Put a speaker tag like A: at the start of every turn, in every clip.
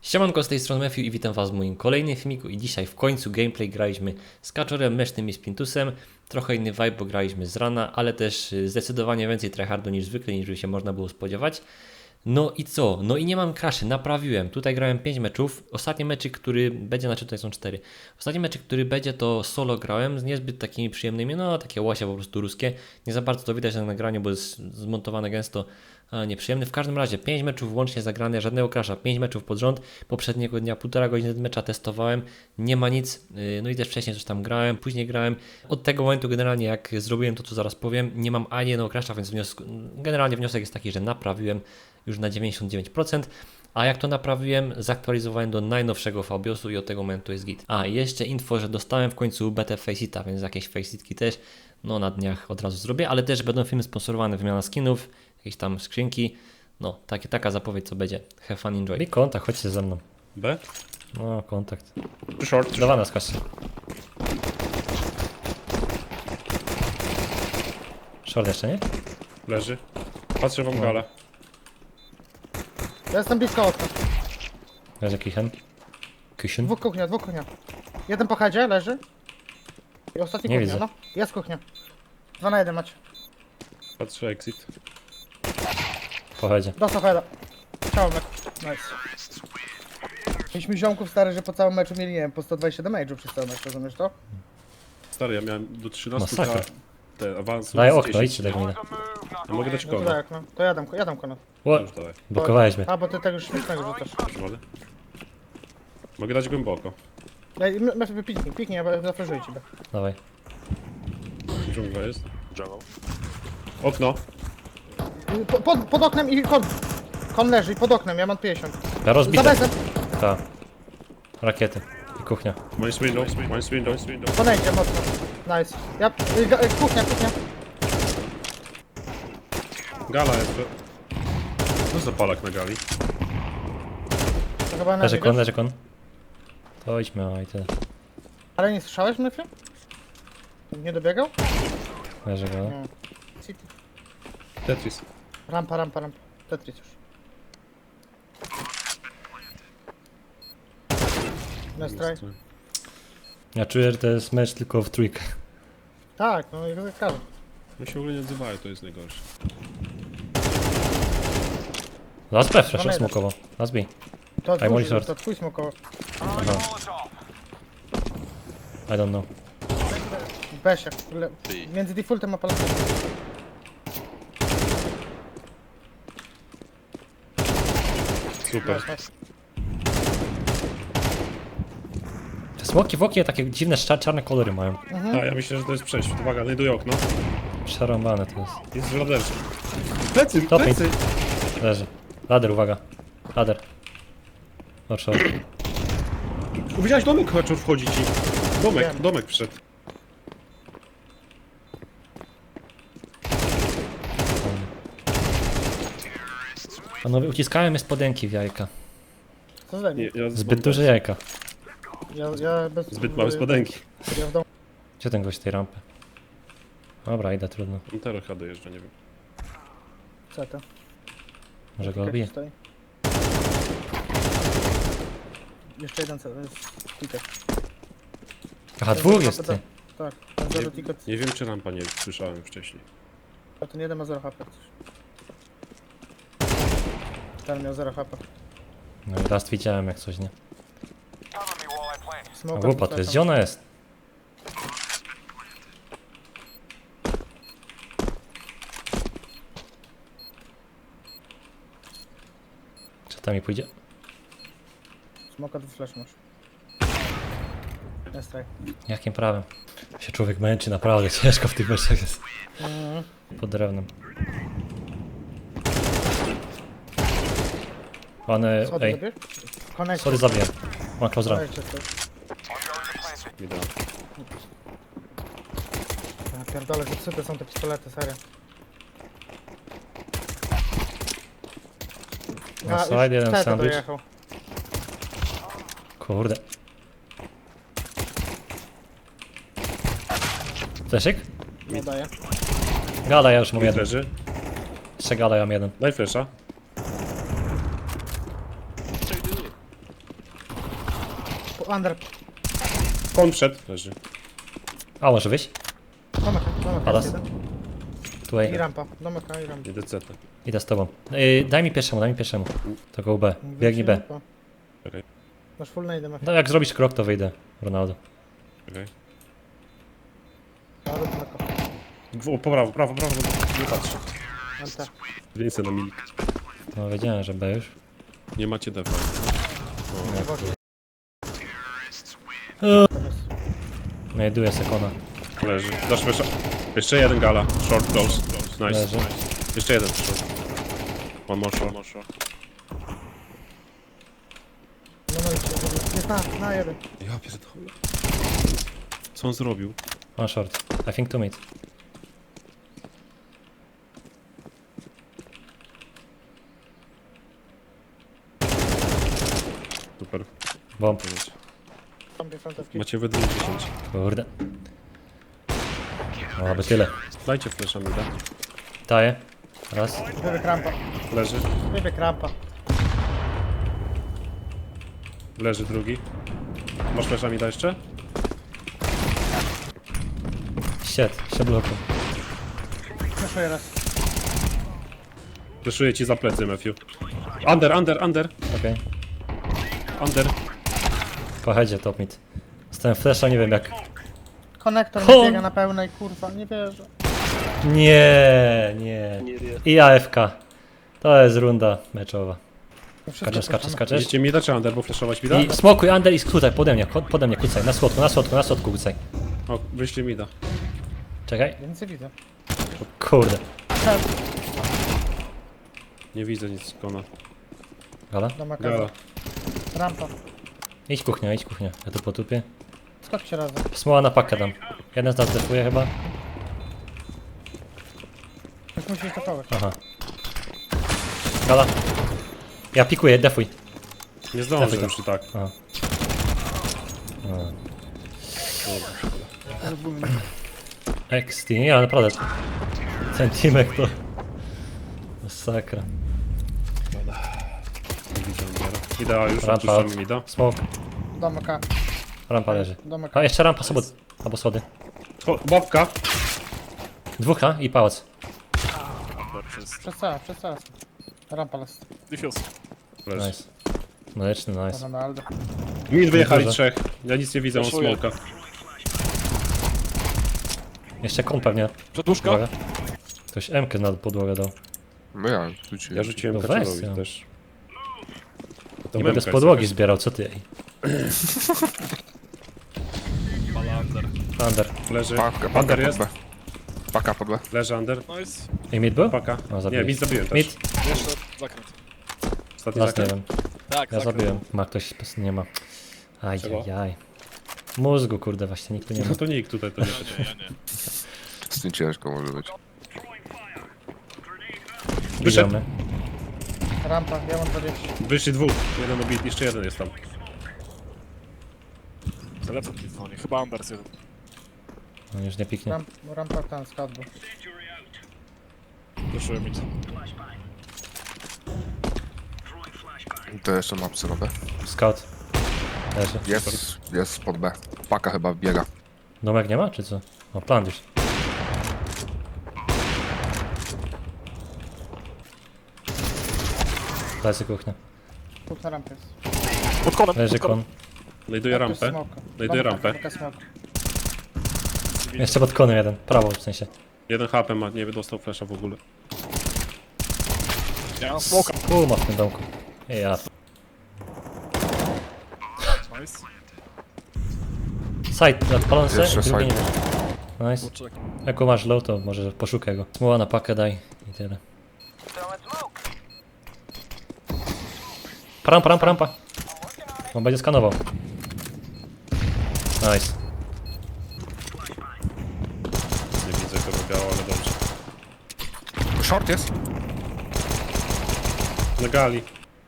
A: Siemanko, z tej strony Matthew i witam was w moim kolejnym filmiku i dzisiaj w końcu gameplay graliśmy z Kaczorem, Mesznym i Spintusem. Trochę inny vibe, bo graliśmy z rana, ale też zdecydowanie więcej tryhardu niż zwykle, niż by się można było spodziewać. No i co? No i nie mam kraszy, naprawiłem. Tutaj grałem 5 meczów. Ostatni meczyk, który będzie, znaczy tutaj są 4. Ostatni meczyk, który będzie, to solo grałem z niezbyt takimi przyjemnymi, no takie łasie po prostu ruskie. Nie za bardzo to widać na nagraniu, bo jest zmontowane gęsto, nieprzyjemny. W każdym razie 5 meczów łącznie zagrane, żadnego crasha, 5 meczów pod rząd. Poprzedniego dnia 1,5 godziny mecza testowałem, nie ma nic. No i też wcześniej coś tam grałem, później grałem. Od tego momentu generalnie jak zrobiłem to, co zaraz powiem, nie mam ani jednego crasha, więc generalnie wniosek jest taki, że naprawiłem już na 99%, a jak to naprawiłem, zaktualizowałem do najnowszego Fabiosu i od tego momentu jest git. A i jeszcze info, że dostałem w końcu betę Faceita, więc jakieś Faceitki też, no na dniach od razu zrobię, ale też będą filmy sponsorowane, wymiana skinów, jakieś tam skrzynki, no taka zapowiedź co będzie. Have fun, enjoy. I kontakt, chodźcie ze mną.
B: B?
A: No, kontakt.
B: Short.
A: Dawana skaczcie. Short jeszcze, nie?
B: Leży. Patrzę wam galę.
C: Ja jestem blisko okna.
A: Leży Kichen. Kishin?
C: Dwóch kuchnia. Jeden po headzie leży. I ostatni
A: Nie
C: kuchnia,
A: widzę.
C: no. Jest kuchnia. 2 na 1 macie.
B: Patrzę exit.
A: Pochodzie.
C: Dostał heada. Ciao, mecz. Nice. Mieliśmy ziomków stary, że po całym meczu mieli, nie wiem, po 120 damage'ów przez cały mecz, rozumiesz to?
B: Stary, ja miałem do 13
A: Masakra.
B: te awansu.
A: Daj
B: z
A: okno,
B: 10.
A: idźcie tego mnie.
B: Ja mogę dać
C: No to
B: kogo?
C: tak, no. To jadam konat.
B: Już dawaj.
A: Blokowałeś mnie.
C: A, bo ty tego śmiesznego rzucasz.
B: Mogę? Mogę dać głęboko.
C: Piknij, ja zafreżuję ciebie.
A: Dawaj.
B: Dżungla jest. Okno.
C: Pod oknem i kon. Kon leży i pod oknem, ja mam 50.
A: Ja
C: Za
A: rozbite.
C: bezem.
A: Ta. Rakiety. I kuchnia.
B: One window.
C: Ponejdzie mocno. Nice. Kuchnia.
B: Gala jest. Co za palak na gali?
C: To chyba
A: Leży
C: energy,
A: kon,
C: wiesz?
A: leży kon. To idźmy, o i tyle.
C: Ale nie słyszałeś mnie, film? Nie dobiegał?
A: Leży go.
C: Nie. City.
B: Tetris.
C: Rampa. Tetris już. Nestraj.
A: Ja czuję, że to jest mecz tylko w trójkę.
C: Tak, no jak każdy.
B: My się w ogóle nie odzywają, to jest najgorsze.
A: Last B, flash,
C: Mamy
A: smokowo. Last B.
C: To
A: Aj, moli short.
C: to twój smokowo.
A: Aha. I don't know.
C: Besiak. Między defaultem a palatem.
B: Super.
A: Te smoki w oknie takie dziwne, czarne kolory mają.
B: A ja myślę, że to jest przejść. Uwaga, znajduję okno.
A: Przerąbane to jest.
B: Jest w laderze. Plecy,
A: Top mid.
B: plecy!
A: Leży. Lader, uwaga. Lader. Oczy.
B: Widziałeś domek zaczął wchodzić i...
C: Wiem.
B: Domek wszedł.
A: Panowie, uciskałem je spodenki w jajka.
C: Co za
B: Nie,
C: mnie?
B: ja
A: Zbyt duże jajka.
C: Ja bez...
B: Zbyt małe spodenki.
C: Ja w domu.
A: Gdzie ten gość tej rampy? Dobra, idę, trudno.
B: Intero chyba dojeżdża, nie wiem.
C: Co to?
A: Może go obiję.
C: Stoi. Jeszcze jeden cel, ticket.
A: Aha, dwóch jest ty.
C: Tak, ten zero ticket.
B: Nie wiem, czy rampa nie słyszałem wcześniej.
C: A ten jeden ma 0 HP. Ten miał 0 HP.
A: No i raz widziałem jak coś, nie? A
C: Smoka
A: głupa to jest, gdzie ona jest? Czy tam mi pójdzie?
C: Smoka tu flash masz. Nestraj.
A: Jakim prawem? Się człowiek męczy, naprawdę ciężko w tych meczach jest. Pod drewnem. One,
C: Schody
A: ej,
C: zabierz? Connect.
A: sorry zabiję. Ma close run.
C: Connect jest to.
B: Nie da.
C: Ja pierdolę, zepsute są te pistolety, serio.
A: Na
C: A,
A: side,
C: już
A: jeden
C: Tete
A: sandwich.
C: dojechał.
A: Kurde. Fleszyk?
C: Nie daje.
A: Gala, ja już mam jeden.
B: Leży.
A: Jeszcze gala, ja mam jeden.
B: Daj flesza.
C: Under.
B: Kon wszedł. Leży.
A: A, może wyjść?
C: Domek
A: Palas.
C: jest jeden.
A: Tutaj.
C: I rampa. Domek i rampa.
B: Idę CT.
A: Idę z tobą. Daj mi pierwszemu. To go B. Biegnij B.
B: Czekaj,
C: Masz full nade, Mafia.
A: No jak zrobisz krok, to wyjdę. Ronaldo.
B: czekaj.
C: Ale Domeka.
B: Po prawo, nie patrzę.
C: Ante.
B: Więcej na milik.
A: No wiedziałem, że B już.
B: Nie macie defa.
A: Znajduję sekona.
B: Leży. Dasz wysza. Jeszcze jeden gala. Short close. Nice.
A: Leży.
B: Jeszcze jeden short. One more short.
C: No jest na jeden.
B: Ja pierdolę. Co on zrobił?
A: One short. I think 2 mid.
B: Super.
A: Bomb.
C: Tam frontowki.
B: Macie we 10.
A: Kurde. No, aby tyle.
B: Dajcie flesza mi, da.
A: Daję. Raz.
C: Wybieg rampa.
B: Leży.
C: Wybieg rampa.
B: Leży drugi. Masz flesza mi da jeszcze?
A: Shit. Się bloku.
C: Przeszuję raz.
B: Fleszuję ci za plecy, Matthew. Under.
A: Okej.
B: Under.
A: Po headzie top mid. Stałem flasha, nie wiem jak.
C: Konektor
A: Ho!
C: mi biega na pełnej, kurwa, nie wierzę.
A: Nie. I AFK. To jest runda meczowa.
C: No wszystko
A: Skaczesz.
C: puszczamy.
B: Idziecie mi da czy under, bo fleszować mi da?
A: I smokuj under i skrócaj pode mnie kucaj. Na słodku kucaj.
B: O, wyślij mi da.
A: Czekaj.
C: Więcej widzę.
A: Kurde.
B: Nie widzę nic kona.
A: Gala?
C: Domek
B: Gala.
C: rampa.
A: Idź kuchnia. Ja tu potupię.
C: Skoczcie razem.
A: Smoła na pakę dam. Jeden z nas defuje chyba.
C: Już musisz to kołek.
A: Aha. Gala. Ja pikuję, defuj.
B: Nie zdążę
A: Dawaj
B: już i tak.
A: Aha. XT, nie, ale naprawdę. Ten teamek to... Masakra.
B: Nie widzę undera. Idea już,
A: Rampa
B: odpuszczamy
A: out.
B: mi da.
A: Smoke.
C: Domeka.
A: Rampa leży.
C: Domeka.
A: A jeszcze rampa albo schody.
B: Babka.
A: Dwóch i pałac.
C: Przez cały. Rampa las.
B: Leży.
A: Nice. Mleczny, nice.
C: Ronaldo.
B: Min wyjechali
A: Dużo.
B: trzech. Ja nic nie widzę, on
D: Flashuję.
B: smoka.
A: Jeszcze kon pewnie.
D: Przedłużka?
A: Uwaga. Ktoś M-kę na podłogę dał.
E: No ja rzuciłem.
B: Ja rzuciłem
A: No weź
B: Kaczerowi
A: ją.
B: też. To
A: Nie
B: memka
A: będę z
B: jest
A: podłogi
B: jakaś.
A: zbierał, co ty ej?
D: Balander.
A: Under.
B: Leży.
E: Paka
B: Under
E: pod
B: jest.
E: B. Paka pod B.
B: Leży under.
D: Nice.
A: I mid był?
B: Paka.
A: No,
B: Nie,
A: zabiłeś.
B: mid zabiłem też.
A: Mid?
D: Jeszcze zakręt.
B: Ostatni
A: Las nie
B: zakręt.
A: wiem.
D: Tak,
A: Ja
D: zakręt.
A: zabiłem. Ma ktoś, nie ma.
B: Czego?
A: Ajajaj. Mózgu kurde właśnie nikt tu nie ma.
B: No to nikt tutaj to nie.
D: Ja nie.
E: Z tym ciężko może być.
B: Wyszedł.
A: Idziemy.
C: Rampa, ja mam 20.
B: Wyszli dwóch. Jeden obit, jeszcze jeden jest tam.
D: Telefon mi dzwoni. Chyba Anders jeden.
A: On już nie piknie.
C: Rampa ten skład był.
D: Flashuję mi.
E: To jeszcze ma psy na B.
A: Scout. Leży.
E: Jest pod B. Paka chyba biega.
A: Domek nie ma, czy co? O, plan już. Plecy kuchnia.
C: Dwóch na rampie jest.
D: Pod konem,
A: Leży
D: pod konem.
A: kon.
B: Znajduję rampę. Znajduję rampę.
A: Jeszcze pod konem jeden. Prawo w sensie.
B: Jeden HP ma, nie dostał flasha w ogóle.
D: Ja mam smoka.
A: Ma w tym domku. Ja.
D: Nice.
A: Side, odpalony se,
E: Jeszcze
A: drugi nie
E: side.
A: wiem. Nice.
D: Poczekaj.
A: Jak masz low, to może poszukaj go. Smoła na pakę daj i tyle. Rampa. On będzie skanował. Nice.
B: Nie widzę kogo biało, ale dobrze.
E: Short jest?
B: Na gali.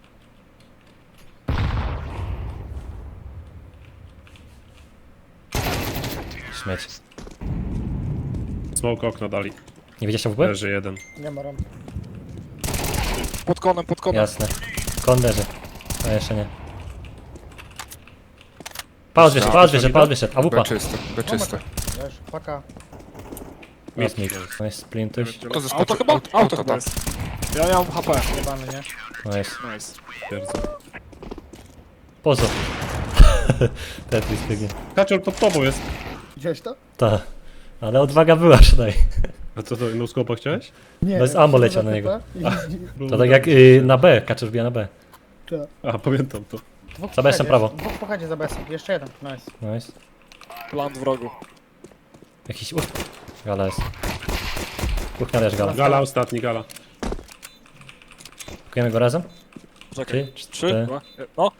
A: Śmieć.
B: Smoke okno dali.
A: Nie widzieliście w ogóle?
B: Leży jeden.
C: Nie ma rampy.
D: Pod konem.
A: Jasne. Kon leży. A jeszcze nie. Pauz wyszedł, AWP.
E: B czyste, B czyste.
C: Wiesz, paka.
A: Jest mid. Nice, splintuś.
E: To
D: Auto
E: zeskoczył,
D: chyba?
E: auto,
D: Auto
E: tak.
D: jest. Ja nie mam HP.
C: Jebany, nie?
A: Nice.
D: Nice.
B: Pierdolę.
A: Pozo. Tetris biegnie.
B: Kaczor pod tobą jest.
C: Widziałeś to?
A: Ta. Ale odwaga była przynajmniej.
B: A co to, no skopa chciałeś?
C: Nie.
A: Bez ammo leciał na niego. To tak jak na B, Kaczor wbija na B.
B: A, pamiętam to.
A: Za besem prawo.
C: Dwóch pochadzie za besem. Jeszcze jeden. Nice.
A: Nice.
D: Plan wrogu.
A: Jakiś Gala jest. Kuchnia też gala.
B: Gala ostatni, gala.
A: Pakujemy go razem?
D: Czekaj.
A: Trzy,
D: 3,
A: cztery.
D: 2, no.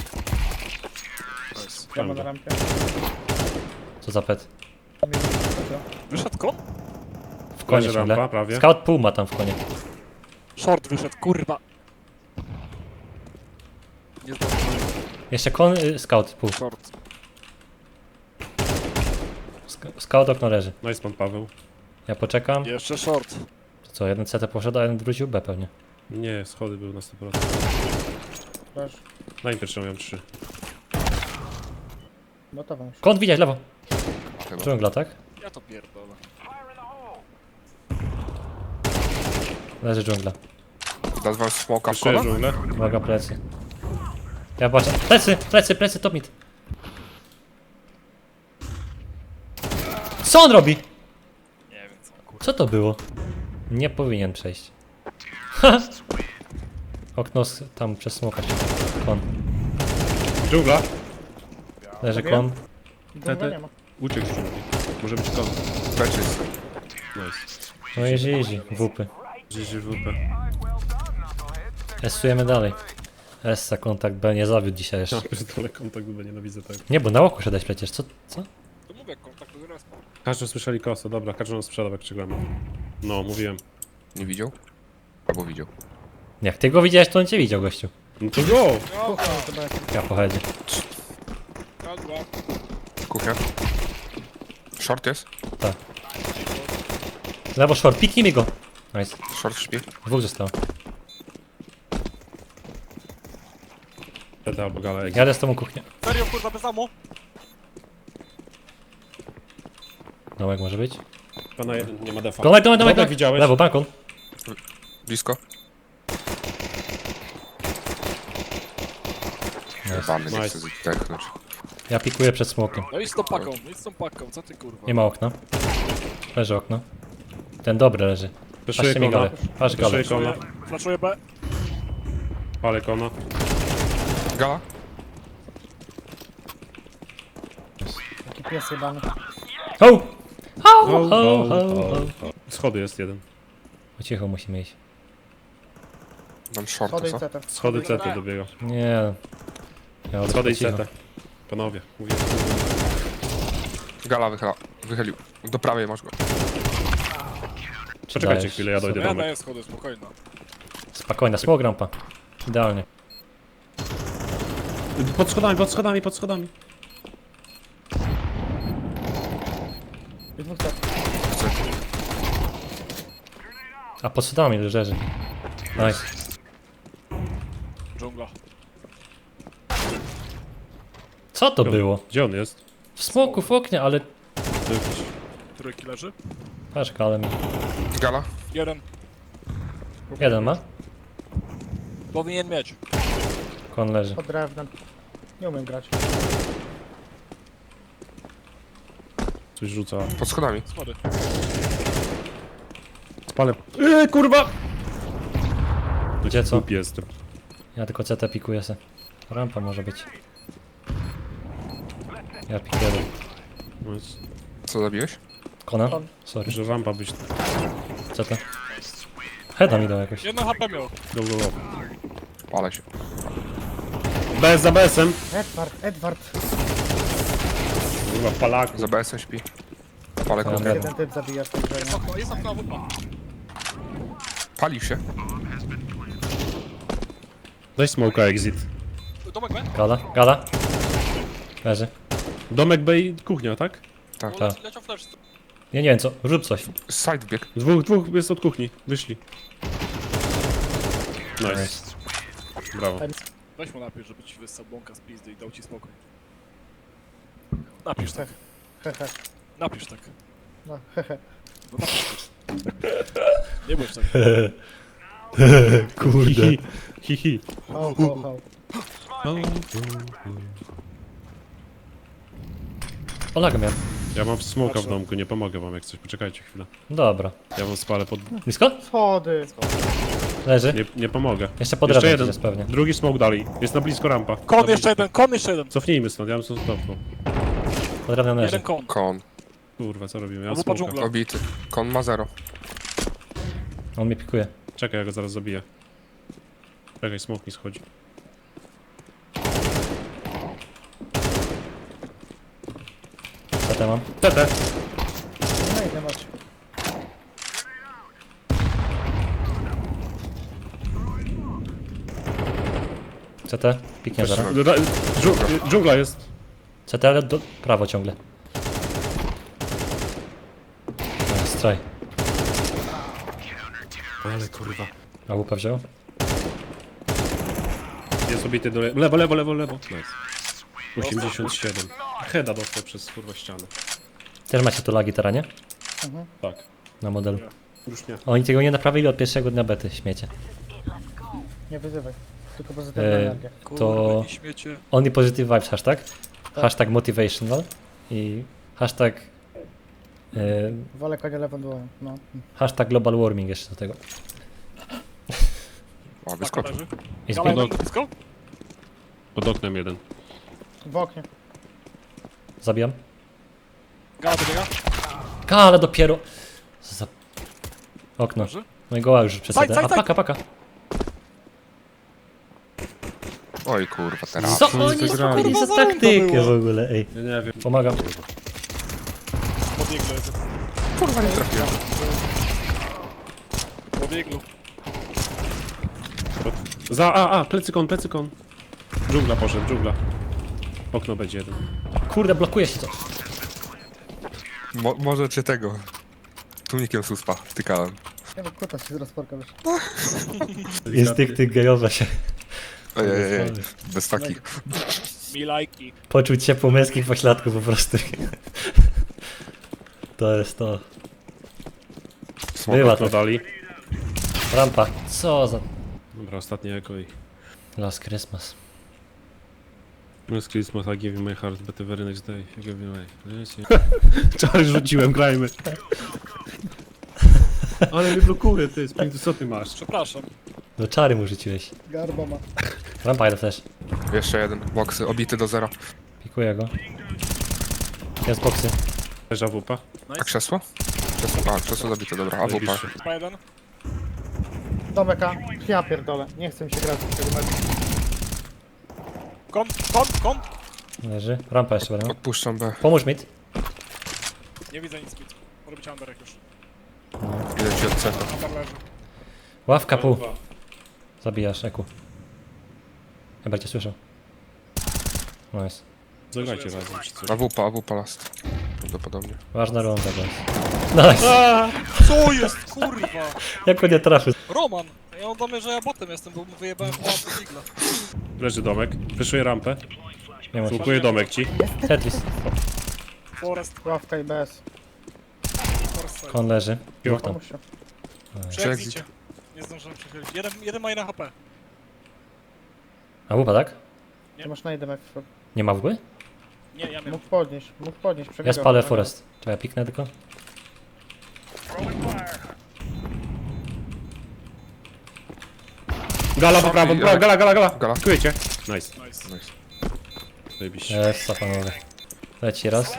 D: Nice.
C: Gramy na rampie.
A: Co za pet?
D: Wyszedł kon?
A: W konie
B: Leży
A: ciągle.
B: rampa, prawie.
A: Scout pół ma tam w konie.
D: Short wyszedł, kurwa. Nie zdążyłem.
A: Jeszcze kon, scout pół.
D: Short.
A: Scout okno leży.
B: Nice pan Paweł.
A: Ja poczekam.
D: Jeszcze short.
A: To co, jeden CT poszedł, a jeden wrócił B pewnie.
B: Nie, schody były na 100%.
C: Proszę.
B: Na pierwszą miałem 3.
C: Gotowa już.
A: Kąt widzieć, lewo.
E: Chyba.
A: Dżungla, tak?
D: Ja to pierdolę.
A: Leży dżungla.
E: Nazwał smoka w
B: Jeszcze
E: kola?
B: dżunglę.
A: Uwaga, plecy. Ja patrzę. Plecy, top mid. Co on robi?
D: Nie wiem co, kurwa.
A: Co to było? Nie powinien przejść. Ha! Okno tam przez smoka. Kon.
B: Dżungla.
A: Leży kon.
C: Dżungla nie ma.
B: Uciekł z dżungli. Może być koniec.
E: B czyste.
B: Nice.
A: No easy, wupy.
B: GGWP.
A: Esujemy dalej. Essa, kontakt B nie zawiódł dzisiaj
B: Ja
A: jeszcze.
B: pierdolę kontakt, bo nienawidzę tego.
A: Nie, bo na łoku szedłeś przecież, co?
D: To mówię, kontakt do respa.
B: Kaczor słyszeli kosę, dobra, Kaczor nas sprzedał jak przegramy. No, mówiłem.
E: Nie widział? Albo widział.
A: Jak ty go widziałeś, to on cię widział, gościu.
B: No to go!
C: Kuchnia to besem.
A: Ja pochodzę.
D: Kadła.
E: Kuchnia. Short jest?
A: Lewo short, piknij go. Nice.
E: Short śpi.
A: Dwóch zostało.
B: Teta albo gala, jak
A: Jadę z tobą kuchnię.
D: Serio, kurwa, bez amu?
A: Dołek może być.
B: pana jeden nie ma defa.
A: Dołek.
B: Dołek widziałeś?
A: Lewo, balkon.
E: Blisko. Jebany, nie
B: Nice.
E: chcę zdechnąć.
A: Ja pikuję przed smokiem.
D: No idź z tą paką, idź z tą paką, co ty kurwa?
A: Nie ma okna. Leży okno. Ten dobry leży.
B: Peszuję
A: Patrzcie mi
B: kona.
A: galę. Patrz galę.
B: Peszuję kona.
D: Flaszuję B.
B: Palę kona.
E: Gala?
C: Taki pies jebany.
A: Ho! Ho,
B: Ho,
A: ho,
B: ho,
A: ho, ho.
B: Schody jest jeden.
A: Po cichu musimy iść.
E: Mam shorta,
C: Schody i
E: co?
C: CT.
B: Schody CT dobiega.
A: Nie. Ja
B: Schody i
A: cicho.
B: CT. Panowie, mówię.
E: Gala wychylił. Do prawej masz go.
A: Czy
B: Poczekajcie
A: dajesz?
B: chwilę, ja dojdę
D: Ja
B: domek.
D: daję schody, spokojno.
A: Spokojna, smog rampa. Idealnie.
B: Pod schodami.
C: I dwóch CT.
A: A pod schodami leży. Nice.
D: Dżungla.
A: Co to było?
B: Gdzie on jest?
A: W smoku, w oknie, ale...
B: To jakiś...
D: Trójki leży.
A: Patrz, ale mi.
E: Gala?
D: Jeden.
A: Jeden ma?
D: Powinien mieć.
A: Kon leży.
C: Pod drewnem. Nie umiem grać.
B: Coś rzuca.
E: Pod schodami.
D: Schody.
B: Spalę. Kurwa!
A: Gdzie co?
B: Głupi jestem.
A: Ja tylko CT pikuję se. Rampa może być. Ja pikuję.
B: No jest-
E: Co zabiłeś?
A: Kona?
C: Kon.
A: Sorry.
B: Że rampa być...
A: CT. Heada mi dał jakoś.
D: Jedno HP miał.
B: Go.
E: Palę się.
B: Bez za besem.
C: Edward.
B: Kurwa, palaku.
E: Za BS-em śpi. Palę
A: Dobra.
E: kuchnię.
C: Jeden typ zabija z tej grze.
D: Jest okno, jest okno, wupa.
E: Palił się.
B: Daj smoka exit.
D: Domek B?
A: Gala. Leży.
B: Domek B i kuchnia, tak?
E: Tak.
A: Tak.
D: Leciał flash.
A: Ja nie wiem co, rzuć coś.
E: Side bieg.
B: Dwóch jest od kuchni. Wyszli. Nice. Brawo.
D: Weź mu napisz, żeby ci wyssał błąka z pizdy i dał ci spokój. Napisz tak.
C: Hehe.
D: Napisz tak.
C: No, hehe.
D: No napisz tak. Nie bądź tak.
A: Kurde.
B: Hihi.
C: Hał, hał, hał.
A: Olaga miałem.
B: Ja mam smoka w
D: Patrzę.
B: domku, nie pomogę wam jak coś. Poczekajcie chwilę.
A: Dobra.
B: Ja wam spalę pod...
A: Blisko?
C: Schody.
A: Leży.
B: Nie pomogę.
A: Jeszcze pod
B: Jeszcze
A: drewnem
B: jeden.
A: jest pewnie.
B: Drugi smok dalej. Jest na blisko rampa.
D: Kon jeszcze jeden, kon jeszcze jeden.
B: Cofnijmy stąd, ja bym stąd cofnął.
A: Pod drewnem leży.
D: Jeden kon.
E: Kon.
B: Kurwa, co robimy? Ja mam
D: Albo po
B: smoka.
D: dżungla.
E: Obity. Kon ma 0.
A: On mnie pikuje.
B: Czekaj, ja go zaraz zabiję. Czekaj, smok mi schodzi.
A: Co tam mam?
B: TT.
C: No i nie macie.
A: CT? Piknie zaraz.
B: Dżungla jest.
A: CT, ale do prawo ciągle. Straj.
B: Ale kurwa.
A: A łupę wziął?
B: Jest obity do lewo, lewo, lewo, lewo. Nice. 87. Heada dostał przez kurwa ścianę.
A: Też macie tu lagi teraz, nie?
B: Tak.
A: Na modelu.
B: Już nie.
A: Oni tego nie naprawili od pierwszego dnia bety, śmiecie.
C: Nie wyzywaj. Tylko pozytywna energia.
A: To
D: I śmiecie.
A: only positive vibes hashtag. Hashtag motivational. I hashtag...
C: Wolę konia lewą dłoń. No.
A: hashtag global warming jeszcze do tego.
E: O,
D: Paka
E: wyskoczył.
D: leży.
A: I
D: Gala
A: zbieg...
D: jeden, blisko?
B: Pod oknem jeden.
C: W oknie.
A: Zabijam.
D: Gala dobiega.
A: Ale dopiero... Za... Okno.
D: Leży.
A: No i goła już przez
D: Saj,
A: CT.
D: saj,
A: A
D: saj.
A: paka.
E: Oj kurwa, teraz.
A: Co
B: oni
A: oni
B: zagrali?
A: zrobili za
D: Kurwa, za
A: taktykę
D: było.
A: w ogóle, ej.
B: Ja nie wiem.
A: Pomagam.
D: Pod iglu jest.
E: Kurwa, nie trafiłem.
D: Pod iglu.
B: Plecy kon. Dżungla poszedł, dżungla. Okno będzie jeden.
A: Kurde, blokuje się to.
E: Może cię tego. Tunikiem suspa wtykałem.
C: Nie wiem, kuta się z rozporka wyszła.
A: Instynkty gejowe się.
E: Ej. Bez takich.
D: Mi lajki.
A: Poczuć ciepło męskich pośladków po prostu. To jest to. Bywa
B: Okno
A: to.
B: dali.
A: Rampa. Co za...
B: Dobra, ostatnie eko i...
A: Last Christmas.
B: Last Christmas, I give you my heart, but the very next day, you give me my... Czary rzuciłem, grajmy. Ale mnie blokuje, ty, Spintu, co ty masz?
D: Przepraszam.
A: Do czary mu rzuciłeś.
C: Garba ma.
A: Rampa jeden też.
E: Jeszcze jeden. Boksy, obity do 0.
A: Pikuję go. Jest boksy.
B: Leża wupa.
E: A krzesło? Krzesło, krzesło zabite, dobra. A wupa.
B: Zajebiście.
D: Chyba jeden.
C: Domek A. Ja pierdolę. Nie chcę mi się grać w tego meczu.
D: Kon.
A: Leży. Rampa jeszcze będę.
E: Odpuszczam B.
A: Pomóż mi.
D: Nie widzę nic. Może być Anderek już.
E: Idę ci od cecha.
D: Ander leży.
A: Ławka pół. Zabijasz, Eku. Chyba cię słyszał. Nice.
B: Zagrajcie razem, czy coś.
E: A wupa last. Prawdopodobnie.
A: Ważna runda, guys. Nice.
D: Co jest, kurwa?
A: Jak on nie trafił.
D: Roman. Ja mam do mnie, że ja botem jestem, bo wyjebałem chyba pod igla.
B: Leży domek. Wyszuję rampę.
A: Nie ma się.
B: Słukuję domek ci.
A: Tetris.
D: Forest.
C: Ławka i bez.
D: Forest.
A: Kon leży. Dwóch tam.
C: Pomóż się.
D: Przy exicie. Nie zdążyłem przechylić. Jeden ma jedna HP.
A: A łupa, tak?
C: Ty masz na jeden jak
D: Nie, ja miałem.
C: Mógł podnieść.
A: Ja
C: Przebiegał.
A: spalę forest. Czekaj, piknę tylko.
B: Gala po prawo, gala.
E: Gala.
B: Dziękujecie. Nice.
D: Nice.
B: Zajebiście.
A: Jest, panowie. Leci raz.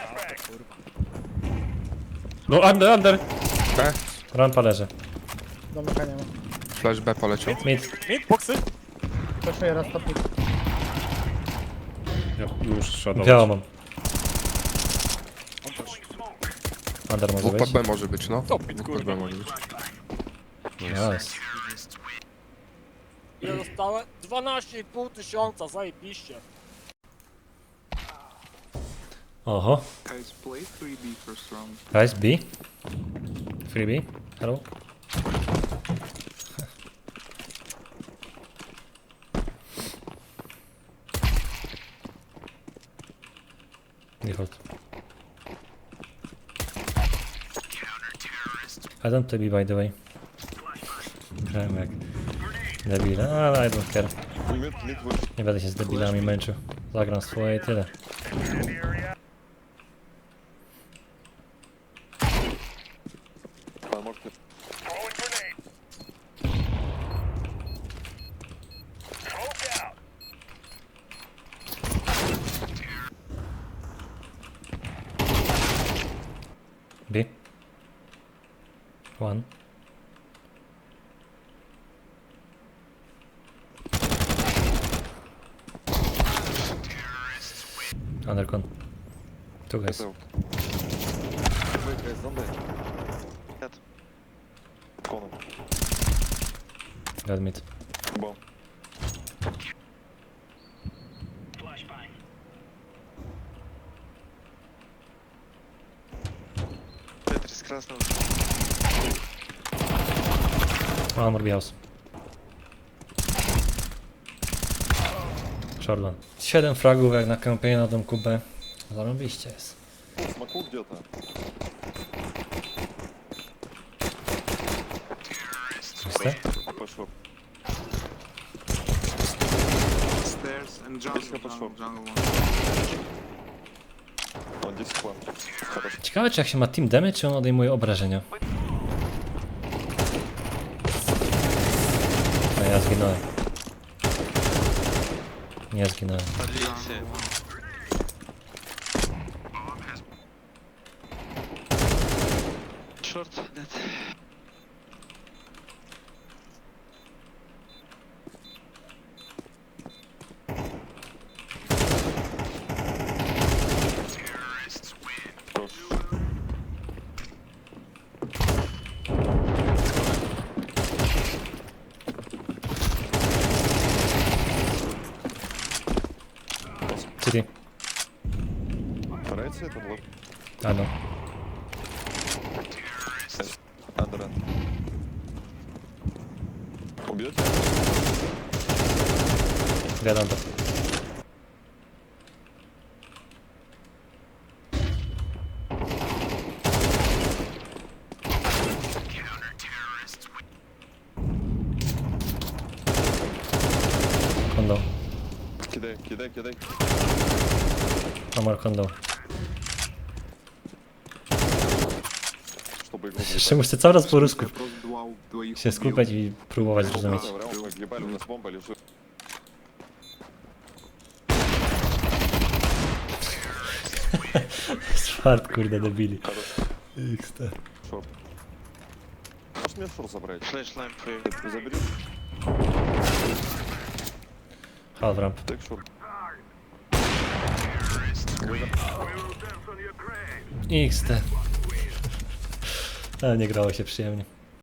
B: No, under.
E: B.
A: Rampa leży.
C: Domeka nie ma.
E: Flash B poleciał.
A: Mid.
D: Mid, boksy.
C: Proszę raz topnik.
B: Ja muszę shadować.
A: Białą mam.
D: On też.
A: Under może
E: Wupa
A: być.
E: B może być, no.
D: Top mid,
E: Wupa
D: kurwa.
E: B może być.
A: Nice.
D: Ile dostałem? 12,5 tysiąca, zajebiście.
A: Oho.
F: Guys, play 3B first round.
A: Guys, B. Free B. Hello. Default. I don't to be, by the way. Grałem jak debile, ale I don't care. Nie będę się z debilami męczył. Zagram swoje i tyle. B. One. Undercon. Two guys. Dead mid.
G: Tetris krasnął.
A: One more B house. Short one. 7 fragów jak na kampanii na domku B. Zarobiście jest.
H: Смоку где-то.
A: Czyste?
H: Пошел.
F: Stairs and jungle,
H: Пешка пошел.
F: jungle one.
H: Он здесь план. Хорошо.
A: Ciekawe czy jak się ma team damage, czy on odejmuje obrażenia. No ja zginąłem. Nie zginąłem.
G: Подвинься. Short, dead.
H: Хорош.
A: City.
H: Нравится это блок?
A: A no.
H: Андерен. Убьете?
A: Gadam to. Kondo.
H: Кидай, кидай, кидай.
A: Amar kondo.
H: Чтобы его
A: Jeszcze muszę cały raz po rusku
F: Просто двоих
A: się
F: убил.
A: skupiać i próbować zrozumieć.
H: Врал, мы въебали, у нас бомба лежит.
A: Swart kurde debili.
H: Хорош.
A: XT.
H: Шорт. Можешь мне шорт забрать?
G: Flashline for you.
H: Ты забери.
A: Half ramp.
H: Так шорт.
A: XT. Ale nie grało się przyjemnie.